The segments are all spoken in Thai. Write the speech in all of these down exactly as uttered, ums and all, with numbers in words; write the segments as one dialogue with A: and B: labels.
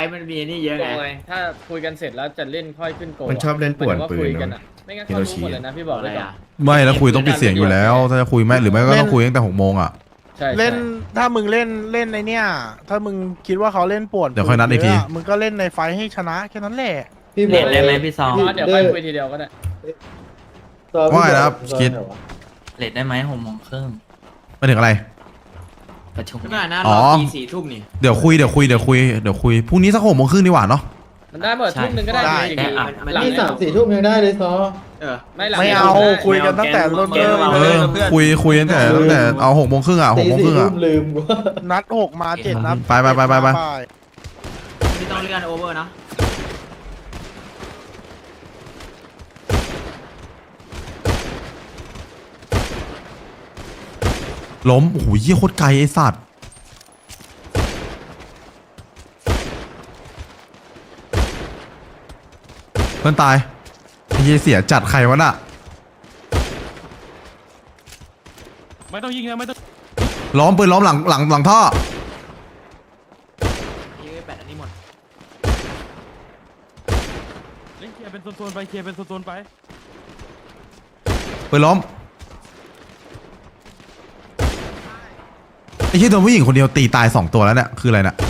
A: มันมีนี่เยอะไง
B: ถ้าคุยกันเสร็จแล้วจะเล่นค่อยขึ้นโก
C: มันชอบเล่นป่วนปืน
B: กัน
C: นะ
B: อะไม่งั้นเขารู้หมดเลยนะพี่บอกเลยอะ
D: ไม่แล้วคุยต้องปิดเสียงอยู่แล้ว ถ้าจะคุยแม่หรือไม่ก็ต้องคุยตั้งแต่หกโมงอ่ะ
B: ใช่
E: เล่นถ้ามึงเล่นเล่นในเนี้ยถ้ามึงคิดว่าเขาเล่นป่วน
D: เดี๋ยวค่อยนัดอีกที
E: เะมึงก็เล่นในไฟท์ให้ชนะแค่นั้นแหละ
A: เล่นได้ไหมพี่ซอง
B: เพราะเดี๋ยวค่อยคุยทีเดียวก็ได้
D: ว่าไงนะครับคิด
A: เล่นได้ไหมหกโมงครึ่ง
D: มาถึงอะไร
A: ประชุม
F: ไม่นะ
D: อ๋
F: ร
D: อ
F: อตีสี่ทุ่มนี่
D: เดี๋ยวคุยเดี๋ยวคุยเดี๋ยวคุยเดี๋ยวคุยพรุ่งนี้สักหกโมงครึ่งดีกว่าเนาะ
B: มันได้หมดทุ่มหนึ่งก็ได้
E: ได้
B: จริง
F: ได้
B: ๆหลัง
G: นี่สามสี่ทุ่มยังได้เลยซอ
F: เออ
B: ไม่หลัง
E: ไม่เอาคุยกันตั้งแต่เริ่ม
A: เก
E: เริ่
A: ม
E: ม
D: เอ
E: เล
D: อย คุยคุยตั้งแต่ตั้งแต่เอาหกโมงครึ่งอ่ะหกโมงครึ่งอ่ะ
G: ลืมว่า
E: นัดหกมาเจ็ดนัด
D: ไปไปไปไปไป
F: ไม่ต้องเลื่อนโอเวอร์นะ
D: ล้มโอ้โหเยี่ยโคตรไกลไอ้สัตว์เพื่อนตายไอ้เหี้ยเสียจัดใครวะน่ะ
H: ไม่ต้องยิงนะไม่ต้อง
D: ล้อมปืนล้อมหลังหลังหลังท่อ
F: ยี่แปดอันนี้หมด
H: เล่นเคลียร์เป็นโซนๆไปเคลียร์เป็นโซนๆไป
D: ปืนล้อมไอ้เหี้ยโดนผู้หญิงคนเดียวตีตายสองตัวแล้วเนี่ยคืออะไรเนี่ย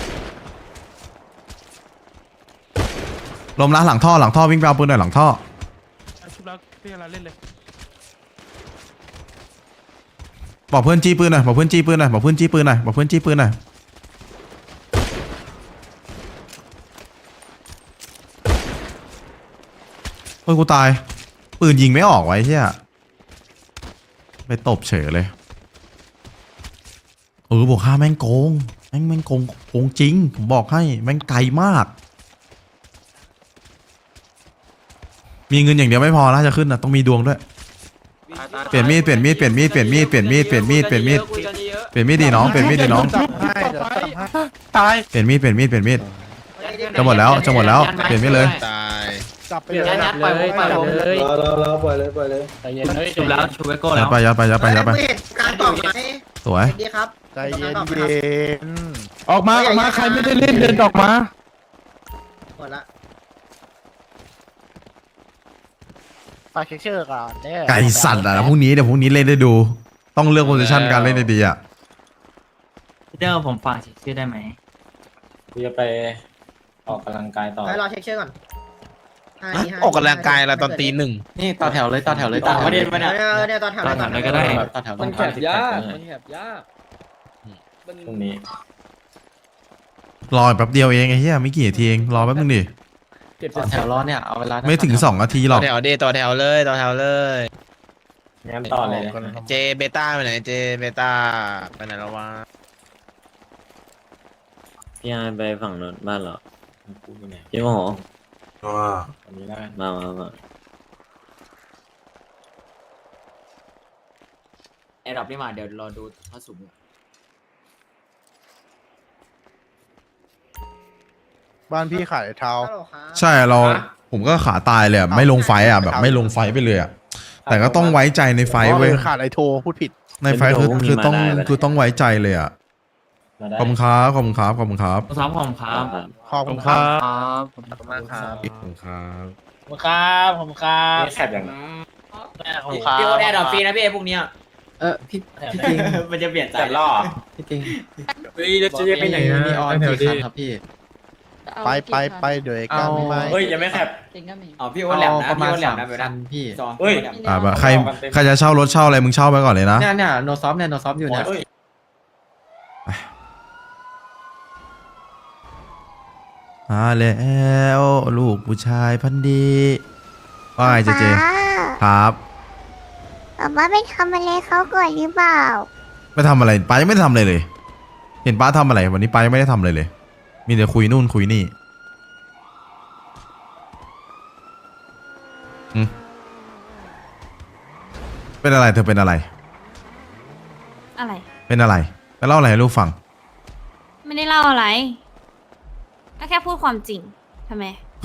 D: ล้มนะหลังท่อหลังท่อวิ่งไปเอาปืนหน่อยหลังท่อ
H: ชุบแล้วพี่อะไรเล่นเลย
D: บอกเพื่อนจี้ปืนหน่อยบอกเพื่อนจี้ปืนหน่อยบอกเพื่อนจี้ปืนหน่อยบอกเพื่อนจี้ปืนหน่อยโอ้ยกูตายปืนยิงไม่ออกไว้เชี่ยไปตบเฉยเลยเออบวกห้าแม่งโกงแม่งแม่งโกงโกงจริงผมบอกให้แม่งไกลมากมีเงินอย่างเดียวไม่พอนะจะขึ้นนะต้องมีดวงด้วยเปลี่ยนมีดเปลี่ยนมีดเปลี่ยนมีดเปลี่ยนมีดเปลี่ยนมีดเปลี่ยนมีดเปลี่ยนมีด
F: คุยกันเยอะ
D: เปลี่ยนมีดดีน้องเปลี่ยนมีดดีน้อง
E: จับให้เดี๋ยวจับให้ตาย
D: เปลี่ยนมีดเปลี่ยนมีดเปลี่ยนมีดจะหมดแล้วจะหมดแล้วเปลี่ยนมีดเลย
C: ตาย
E: จับไป
F: เดี๋ยว
E: เลย
F: ยัดปล่อยผมปล่อยผม
B: เลย
G: รอรอรอปล่อยเลยปล่อยเลย
B: ใจเย็นเฮ้ย
A: ชุบแล้วชุบไว้โก้
D: ยั
A: แล้
D: ด
A: ว
D: ไปยัดไปยัดไปยัดไป
I: การตอบไหม
D: สวย
I: ดีครับ
E: ใจเย็นเย็น
H: ออกมาออกมาใครไม่ได้เล่นเดินออกมา
I: หมดละ
E: ฝากเช็คเชื่อก่อนเด้อ
D: ไก่สั่นอ่ะพรุ่งนี้เดี๋ยวพรุ่งนี้เล่นได้ดู ต้องเลือกโพซิชันการเล่นดีๆอ่ะ
A: พี่เจ้าผมฝากชื่อได้ไหม
G: กูจะไปออกกำลังกายต่อ
I: ให้รอเช็คเชื่อก่อนห้าทีห้าที
C: ออกกำลังกายอะไรตอนตีหนึ่ง
A: นี่ต่อแถวเลยต่อแถวเลย
F: ต่อประเด็นมาเนี่ย
I: เออเนี่ยตอนแถว
A: ต่อแถวเลยก็ได้
G: ต่อแถว
B: มันแคบยากมันแคบยากมัน
G: ตรงนี้
D: รอแป๊บเดียวเองไอ้เหี้ยไม่กี่นาทีเองรอแป๊บนึงดิ
B: เก็บ
A: ต่อแถวรอเนี่ยเอาเวลา
D: ไม่ถึงสองนาทีหร
C: ต่
D: อ
C: อก แถวเดต่อแถวเลยต่อแถวเลย
G: งั้นต่อเลย
C: เจเบต้าไปไหนเจเบต้าไปไหนแล้ววะ
J: พี่ไอไปฝั่งโน้นบ้านเหรอ
G: กูอยู่ไหน
J: พี่โมโห
G: อันนี้ได้
J: มามามา
F: ไอ้ดอกนี่มาเดี๋ยวรอดูพระสุม
E: บ้านพี่ขายเท้า
I: ฮัลโหลครับ
D: ใช่เราผมก็ขาตายเลยอะไม่ลงไฟอ่ะแบบไม่ลงไฟไปเลยอ่ะแต่ก็ต้องไว้ใจในไฟเว้ย
E: ออขาดไอโทรพูดผิด
D: ในไฟคือคือต้องคือต้องไว้ใจเลยอ่ะ
G: มาได้
D: ขอบคุณครับขอบคุณครับขอบคุณครับ
A: ซ้อมผมครับ
E: ขอบคุณครับ
A: ครับ
F: ขอบคุณมากครับ
C: ขอบคุณครับ
B: ผมครับผมครับ
G: นี่แคบอย่างนั้น
F: พี่พี่โอ๊ตแอร์ดรอปฟรีนะพี่พวกเนี้ย
A: เออพี่พี่จริง
F: มันจะเปลี่ยนใจ
G: แต่ล่อ
A: พี่จริง
F: เฮ้ยแล้วจะไปไหนนะ
A: มีออนกี่คันครับพี่
E: ไปไปไปเดี๋ยวกัน
A: เอา
E: ไป
F: เฮ้ยยังไม่แคบ
I: จริงก็มี
F: อ๋อพี่โอ๊ตแหลมนะ
A: ประ
F: พี่
A: มาณ
F: โอ๊ตแหล
A: สาม ม
F: นะไป
A: คั
F: นะ
A: นพี่
F: ซอ
G: เฮ้ย
D: อ่าแบบใครใครจะเช่ารถเช่าอะไรมึงเช่าไปก่อนเลยนะ
A: เนี่ยเนี่ยโนซอฟเนี่ยโนซอฟอยู่เนี่ย
D: มาแล้วลูกผู้ชายพันธุ์ดีว่าไงเจเจครับ
I: ป๊าป๊าไปทำอะไรเขาก่อนหรือเปล่า
D: ไม่ทำอะไรป้ายังไม่ได้ทำอะไรเลย เห็นป้าทำอะไรวันนี้ป้ายังไม่ได้ทำอะไรเลย มีแต่คุยนู่นคุยนี่อืมเป็นอะไรเธอเป็นอะไร
K: อะไร
D: เป็นอะไรไปเล่าอะไรให้ลูกฟัง
K: ไม่ได้เล่าอะไรก็แค่พูดความจริงทำไม